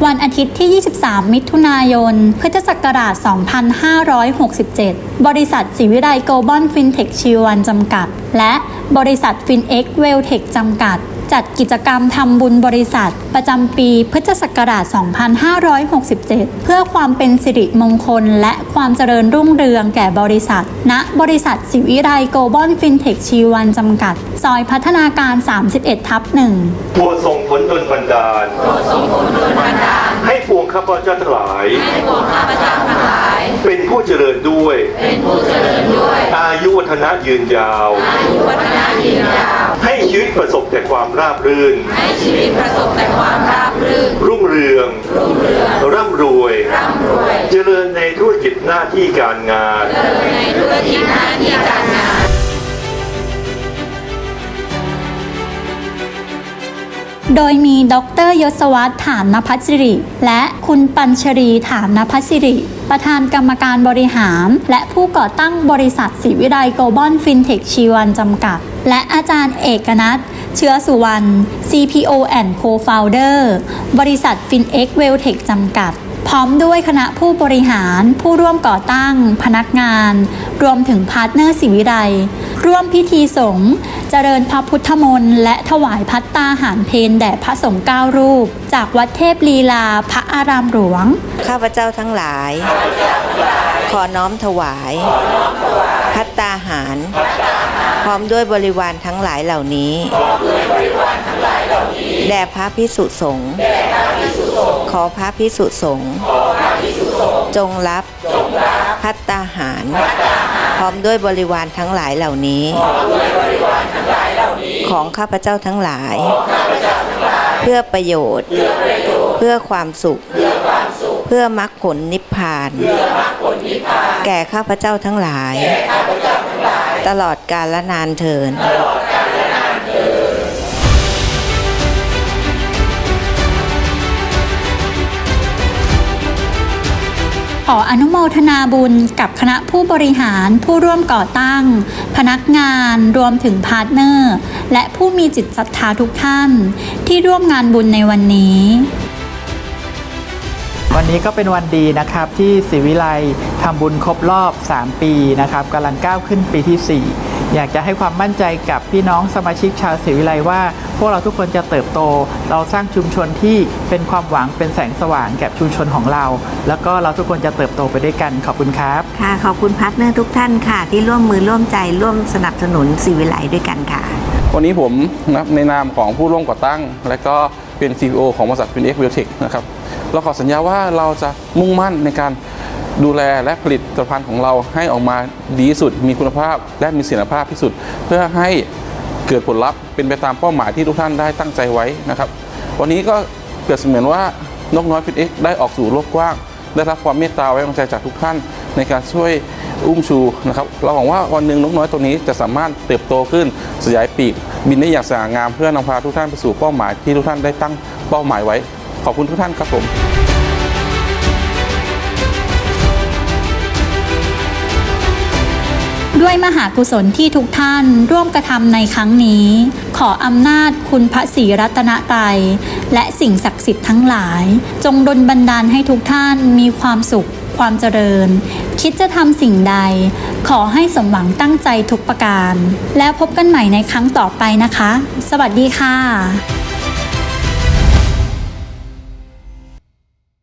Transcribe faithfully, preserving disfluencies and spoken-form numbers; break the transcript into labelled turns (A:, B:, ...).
A: วันอาทิตย์ที่ ยี่สิบสาม มิถุนายน พุทธศักราช สองพันห้าร้อยหกสิบเจ็ด บริษัทศรีวิไลโกลบอลฟินเทคชีวันจำกัด และบริษัทฟินเอ็กเวลเทคจำกัด จัดกิจกรรมทำบุญบริษัทประจำปีพุทธศักราช สองพันห้าร้อยหกสิบเจ็ด เพื่อความเป็นสิริมงคลและความเจริญรุ่งเรืองแก่บริษัท ณ บริษัทศรีวิไลโกลบอลฟินเทคชีวันจำกัด ซอยพัฒนาการ สามสิบเอ็ด ทับ หนึ่ง
B: โปรดส่งผลดลบันดาลให้ปวงข้าพเจ้าทั้งหลายเป็นผู้เจริญด้วยอายุวัฒนะยืนยาวให้ชีวิตประสบแต่ความราบรื่นให้ชีวิตประสบแต่ความราบรื่นรุ่งเรืองร่ำรวยเจริญในธุรกิจหน้าที่การงานเจริญในธุรกิจหน้าที่การงาน
A: โดยมีดร.ยศวัฒน์ ถามนภัสสิริและคุณปัญชรี ถามนภัสสิริประธานกรรมการบริหารและผู้ก่อตั้งบริษัทศรีวิไลโกลบอลฟินเทคชีวันจำกัดและอาจารย์เอกนัทเชื้อสุวรรณ ซี พี โอ and Co-founder บริษัท FinX Welltech จำกัดพร้อมด้วยคณะผู้บริหารผู้ร่วมก่อตั้งพนักงานรวมถึงพาร์ทเนอร์ศรีวิไลร่วมพิธีสงฆ์เจริญพระพุทธมนต์และถวายภัตตาหารเพลแด่พระสงฆ์เก้ารูปจากวัดเทพลีลาพระอารามหลวง
C: ข้าพเจ้าทั้งหลายขอน้อมถวายภัตตาหารพร้อมด้วยบริวารทั้งหลายเหล่านี้แด่พระภิกษุสงฆ์ขอพระภิกษุสงฆ์จงรับภัตตาหารพร้อมด้วยบริวารทั้งหลายเหล่านี้ของข้าพเจ้าทั้งหลายเพื่อประโยชน์เพื่อความสุขเพื่อมรรคผลนิพพานแก่ข้าพเจ้าทั้งหลายตลอดกาลนานเทิน
A: ขออนุโมทนาบุญกับคณะผู้บริหารผู้ร่วมก่อตั้งพนักงานรวมถึงพาร์ทเนอร์และผู้มีจิตศรัทธาทุกท่านที่ร่วมงานบุญในวันนี้
D: วันนี้ก็เป็นวันดีนะครับที่ศรีวิไลทำบุญครบรอบสามปีนะครับกำลังก้าวขึ้นปีที่สี่อยากจะให้ความมั่นใจกับพี่น้องสมาชิกชาวศรีวิไลว่าพวกเราทุกคนจะเติบโตเราสร้างชุมชนที่เป็นความหวังเป็นแสงสว่างแก่ชุมชนของเราแล้วก็เราทุกคนจะเติบโตไปด้วยกันขอบคุณครับ
C: ค่ะขอบคุณพาร์ทเนอร์ทุกท่านค่ะที่ร่วมมือร่วมใจร่วมสนับสนุนศรีวิไลด้วยกันค่ะ
E: วันนี้ผมนะในนามของผู้ร่วมก่อตั้งและก็เป็น ซี พี โอ ของบริษัท FinX Welltech นะครับเราขอสัญญาว่าเราจะมุ่งมั่นในการดูแลและผลิตผลิตภัณฑ์ของเราให้ออกมาดีที่สุดมีคุณภาพและมีเสถียรภาพที่สุดเพื่อให้เกิดผลลัพธ์เป็นไปตามเป้าหมายที่ทุกท่านได้ตั้งใจไว้นะครับวันนี้ก็เกิดเสมือนว่านกน้อย FinX ได้ออกสู่โลกกว้างได้รับความเมตตาไว้วางใจจากทุกท่านในการช่วยอุ้มชูนะครับเราหวังว่าวันหนึ่งนกน้อยตัวนี้จะสามารถเติบโตขึ้นสยายปีกบินได้อย่างสง่างามเพื่อนำพาทุกท่านไปสู่เป้าหมายที่ทุกท่านได้ตั้งเป้าหมายไว้ขอบคุณทุกท่านครับผม
A: ด้วยมหากุศลที่ทุกท่านร่วมกระทำในครั้งนี้ขออำนาจคุณพระศรีรัตนตรัยและสิ่งศักดิ์สิทธิ์ทั้งหลายจงดลบันดาลให้ทุกท่านมีความสุขความเจริญคิดจะทำสิ่งใดขอให้สมหวังตั้งใจทุกประการแล้วพบกันใหม่ในครั้งต่อไปนะคะสวัสดีค่ะ